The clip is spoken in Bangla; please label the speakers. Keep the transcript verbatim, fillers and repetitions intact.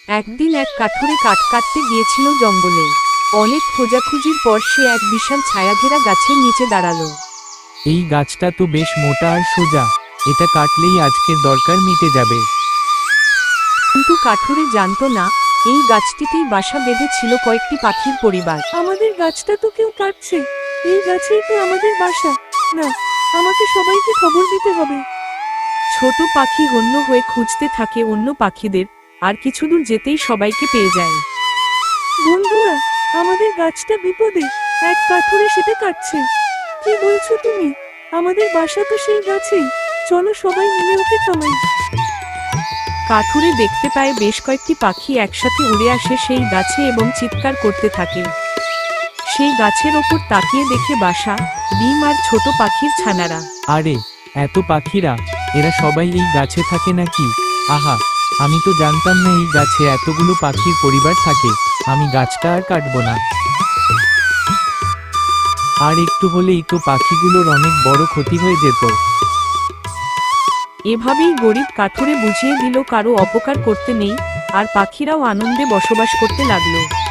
Speaker 1: একদিন এক কাঠুরে কাঠ কাটতে গিয়েছিল জঙ্গলে। অনেক খোঁজাখুঁজির পর সে এক বিশাল ছায়াঘেরা গাছের নিচে দাঁড়ালো।
Speaker 2: এই গাছটা তো বেশ মোটা আর সোজা, এটা কাটলেই আজকের দরকার মিটে যাবে।
Speaker 1: কিন্তু কাঠুরে জানতো না, এই গাছটিতেই বাসা বেঁধেছিল কয়েকটি পাখির পরিবার।
Speaker 3: আমাদের গাছটা তো কেউ কাটছে, এই গাছেই তো আমাদের বাসা। না, আমাকে সবাইকে খবর দিতে হবে।
Speaker 1: ছোট পাখি হন্য হয়ে খুঁজতে থাকে অন্য পাখিদের, আর কিছু দূর যেতেই সবাইকে পেয়ে যায়।
Speaker 3: বন্ধুরা, আমাদের গাছটা বিপদে, এক কাঠুরে সেটা কাটছে। কি বলছো তুমি? আমাদের বাসা তো সেই গাছেই, চলো সবাই মিলে ওকে থামাই।
Speaker 1: কাঠুরে দেখতে পায় বেশ কয়েকটি পাখি একসাথে উড়ে আসে সেই গাছে এবং চিৎকার করতে থাকে। সেই গাছের ওপর তাকিয়ে দেখে বাসা, ডিম আর ছোট পাখির ছানারা।
Speaker 2: আরে, এত পাখিরা, এরা সবাই এই গাছে থাকে নাকি? আহা, আমি তো জানতাম না এই গাছে এতগুলো পাখির পরিবার থাকে। আমি গাছটা আর কাটবো না। আর একটু হলেই তো পাখিগুলোর অনেক বড় ক্ষতি হয়ে যেত।
Speaker 1: এভাবেই গরিব কাঠুরে বুঝিয়ে দিল কারো অপকার করতে নেই, আর পাখিরাও আনন্দে বসবাস করতে লাগলো।